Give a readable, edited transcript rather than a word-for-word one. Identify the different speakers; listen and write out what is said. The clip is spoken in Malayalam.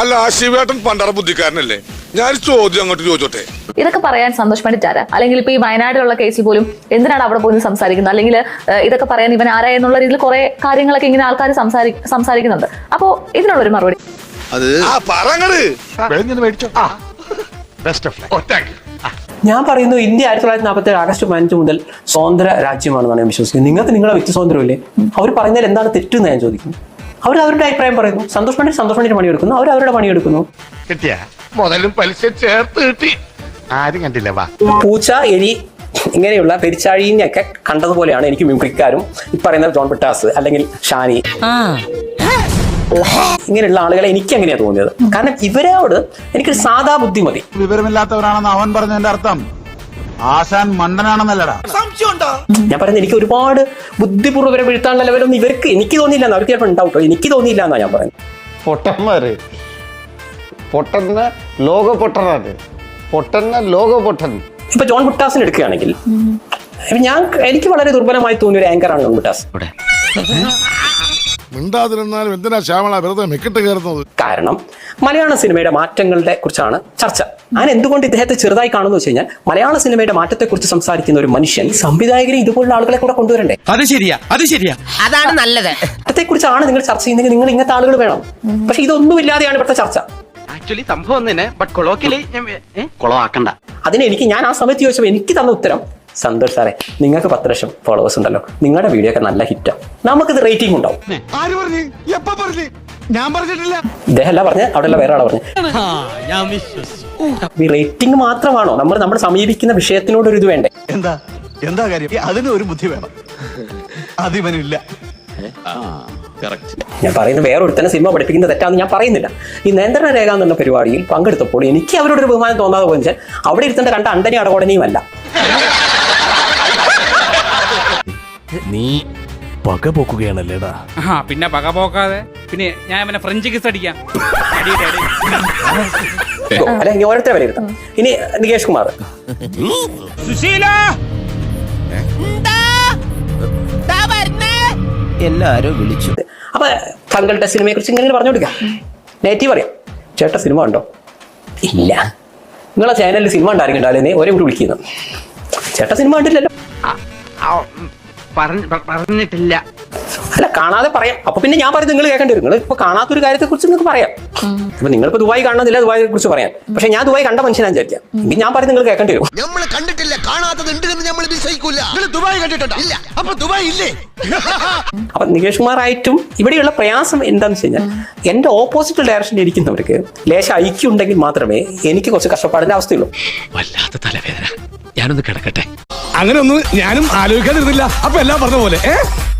Speaker 1: അല്ല ശിവേട്ടൻ പണ്ടറ ബുദ്ധിക്കാരനല്ലേ? ഞാൻ ചോദ്യം അങ്ങോട്ട് ചോദിച്ചോട്ടെ.
Speaker 2: ഇതൊക്കെ പറയാൻ സന്തോഷ് പണ്ഡിറ്റ് ആരാ? അല്ലെങ്കിൽ ഇപ്പൊ ഈ വയനാട്ടിലുള്ള കേസിൽ പോലും എന്തിനാണ് അവിടെ പോയി സംസാരിക്കുന്നത്? അല്ലെങ്കിൽ ഇതൊക്കെ പറയാൻ ഇവൻ ആരാ എന്നുള്ള രീതിയിൽ കുറെ കാര്യങ്ങളൊക്കെ ഇങ്ങനെ ആൾക്കാർ സംസാരിക്കുന്നുണ്ട്. അപ്പോ ഇതിനുള്ളൊരു മറുപടി
Speaker 3: ഞാൻ പറയുന്നു, ഇന്ത്യ 1947 ആഗസ്റ്റ് 15 മുതൽ സ്വതന്ത്ര രാജ്യമാണെന്നാണ് ഞാൻ വിശ്വസിക്കുന്നത്. നിങ്ങൾക്ക് നിങ്ങളെ വ്യക്തി സ്വാതന്ത്ര്യമില്ലേ? അവർ പറയുന്നതിൽ എന്താണ് തെറ്റെന്ന് ഞാൻ ചോദിക്കുന്നു. അവർ അവരുടെ അഭിപ്രായം പറയുന്നു. സന്തോഷ് പണ്ഡിറ്റ് പണിയെടുക്കുന്നു, അവർ അവരുടെ പണിയെടുക്കുന്നു.
Speaker 4: മുതലും പലിശ ചേർത്ത് കിട്ടി. ആരും കണ്ടില്ല. വാ,
Speaker 3: പൂച്ച, എലി ഇങ്ങനെയുള്ള പെരിച്ചാഴിനെയൊക്കെ കണ്ടതുപോലെയാണ് എനിക്ക് മിമിക്രിക്കാരും ഈ പറയുന്ന ജോൺ പിട്ടാസ് അല്ലെങ്കിൽ ഷാനി ഇങ്ങനെയുള്ള ആളുകളെ എനിക്ക് എങ്ങനെയാ തോന്നിയത്. കാരണം ഇവരോട് എനിക്കൊരു സാധാ ബുദ്ധി മതി.
Speaker 5: വിവരമില്ലാത്തവരാണെന്ന് അവൻ പറഞ്ഞതിന്റെ അർത്ഥം ആശാൻ മണ്ടനാണെന്നല്ലടാ.
Speaker 3: ഞാൻ പറയുന്നത് എനിക്ക് ഒരുപാട് ബുദ്ധിപൂർവ്വം വീഴ്ത്താനുള്ള ലെവലൊന്നും ഇവർക്ക് എനിക്ക് തോന്നിയില്ല. അവർക്ക് ചിലപ്പോൾ ഉണ്ടാവട്ടോ, എനിക്ക് തോന്നിയില്ല എന്നാ ഞാൻ പറയുന്നത്.
Speaker 4: പൊട്ടന്മാര് പൊട്ടന്ന ലോക പൊട്ടനാണ്. പൊട്ടന്ന ലോക പൊട്ടൻ.
Speaker 3: ഇപ്പൊ ജോൺ ബുട്ടാസിന് എടുക്കുകയാണെങ്കിൽ എനിക്ക് വളരെ ദുർബലമായി തോന്നിയ ഒരു ആങ്കറാണ് ജോൺ ബുട്ടാസ്.
Speaker 1: മിണ്ടാതിരുന്നാലും എന്തിനാ ശ്യാമള വെറുതെ മെക്കിട്ട് കയറുന്നത്?
Speaker 3: കാരണം മലയാള സിനിമയുടെ മാറ്റങ്ങളുടെ കുറിച്ചാണ് ചർച്ച. ഞാൻ എന്തുകൊണ്ട് ഇദ്ദേഹത്തെ ചെറുതായി കാണുന്നു വെച്ച് കഴിഞ്ഞാൽ, മലയാള സിനിമയുടെ മാറ്റത്തെ കുറിച്ച് സംസാരിക്കുന്ന ഒരു മനുഷ്യൻ സംവിധായകരെ ഇതുപോലുള്ള ആളുകളെ കൂടെ കൊണ്ടുവരണ്ടേ?
Speaker 6: അത് ശരിയാ, അതാണ് നല്ലത്.
Speaker 3: മാറ്റത്തെ കുറിച്ചാണ് നിങ്ങൾ ചർച്ച ചെയ്യുന്നെങ്കിൽ നിങ്ങൾ ഇങ്ങനത്തെ ആളുകൾ വേണം. പക്ഷെ ഇതൊന്നും ഇല്ലാതെയാണ് ഇവിടുത്തെ ചർച്ച.
Speaker 6: ആക്ച്വലി സംഭവം തന്നെ, ബട്ട് കൊളോക്കിയലി കൊളവാക്കണ്ട.
Speaker 3: ഞാൻ ആ സമയത്ത് ചോദിച്ചപ്പോൾ എനിക്ക് തന്ന ഉത്തരം, സന്തോഷ് സാറേ, നിങ്ങൾക്ക് 10 ലക്ഷം ഫോളോവേഴ്സ് ഉണ്ടല്ലോ, നിങ്ങളുടെ വീഡിയോ ഒക്കെ നല്ല ഹിറ്റാണ്, നമുക്കിത് റേറ്റിംഗ് ഉണ്ടാവും.
Speaker 5: ഞാൻ പറഞ്ഞിട്ടില്ല.
Speaker 3: ഇദ്ദേഹമല്ല പറഞ്ഞ്, അവിടെയുള്ള വേറെ ആളാ പറഞ്ഞ്. ഈ റേറ്റിംഗ് മാത്രമാണോ? നമ്മൾ സമീപിക്കുന്ന വിഷയത്തിനോട് ഒരു ഇത് വേണ്ടേ?
Speaker 5: എന്താ കാര്യം? അതിന് ഒരു ബുദ്ധി വേണം. അതിവനില്ല.
Speaker 3: ഞാൻ പറയുന്നത് വേറൊരുത്തന്നെ സിനിമ പഠിപ്പിക്കുന്നത് തെറ്റാന്ന് ഞാൻ പറയുന്നില്ല. ഈ നിയന്ത്രണ രേഖ എന്നുള്ള പരിപാടിയിൽ പങ്കെടുത്തപ്പോൾ എനിക്ക് അവരോടൊരു ബഹുമാനം തോന്നാതെ പോയി വെച്ചാൽ അവിടെ ഇരുത്തേണ്ട കണ്ട അണ്ടനെ അടകോടനെയുമല്ല.
Speaker 7: നീ പക പോക്കുകയാണല്ലേടാ.
Speaker 6: പിന്നെ പക പോക്കാതെ പിന്നെ ഞാൻ അവനെ ഫ്രഞ്ച് കിസ് അടിക്കാം.
Speaker 3: അല്ല, ഇനി ഓരോരുത്തരെ വിലയിരുത്താം. ഇനി നികേഷ് കുമാർ,
Speaker 7: എല്ലാരും വിളിച്ചു.
Speaker 3: അപ്പൊ താങ്കളുടെ സിനിമയെ കുറിച്ച് ഇങ്ങനെ പറഞ്ഞു കൊടുക്കാം. നെഗറ്റീവ് അറിയാം. ചേട്ടാ സിനിമ ഉണ്ടോ? ഇല്ല. നിങ്ങളെ ചാനലിൽ സിനിമ ഉണ്ടായിരിക്കണ്ടല്ലേ ഒരേ കൂടി വിളിക്കുന്നു. ചേട്ടാ സിനിമ കണ്ടില്ലല്ലോ.
Speaker 6: പറഞ്ഞിട്ടില്ല.
Speaker 3: അല്ല, കാണാതെ പറയാം. അപ്പൊ പിന്നെ ഞാൻ പറയുന്നത് നിങ്ങൾ കേൾക്കേണ്ടി വരും. നിങ്ങൾ ഇപ്പൊ കാണാത്തൊരു കാര്യത്തെ കുറിച്ച് നിങ്ങൾക്ക് പറയാം. അപ്പൊ നിങ്ങളിപ്പോ ദുബായ് കാണുന്നില്ല, ദുബായിയെ കുറിച്ച് പറയാം. പക്ഷെ ഞാൻ ദുബായ് കണ്ട മനുഷ്യനാ വിചാരിക്കാം. എങ്കിൽ ഞാൻ പറയുന്നത് നിങ്ങൾ കേൾക്കേണ്ടി വരും.
Speaker 8: നമ്മൾ കണ്ടിട്ടില്ല, കാണാത്തത് ഉണ്ടെന്ന് നമ്മൾ വിശ്വസിക്കൂല. ദുബായ് കണ്ടിട്ടുണ്ടോ? ഇല്ല. അപ്പൊ ദുബായ് ഇല്ലേ?
Speaker 3: അപ്പൊ നികേഷ് കുമാറായിട്ടും ഇവിടെയുള്ള പ്രയാസം എന്താണെന്ന് വെച്ച് കഴിഞ്ഞാൽ, എന്റെ ഓപ്പോസിറ്റ് ഡയറക്ഷനിൽ ഇരിക്കുന്നവർക്ക് ലേശം ഐക്യം ഉണ്ടെങ്കിൽ മാത്രമേ എനിക്ക് കുറച്ച് കഷ്ടപ്പാടിന്റെ അവസ്ഥയുള്ളൂ.
Speaker 7: വല്ലാത്ത തലവേദന, ഞാനൊന്ന് കിടക്കട്ടെ.
Speaker 1: അങ്ങനെ ഒന്നും ഞാനും ആലോചിക്കാതിരുന്നില്ല. അപ്പൊ എല്ലാം പറഞ്ഞ പോലെ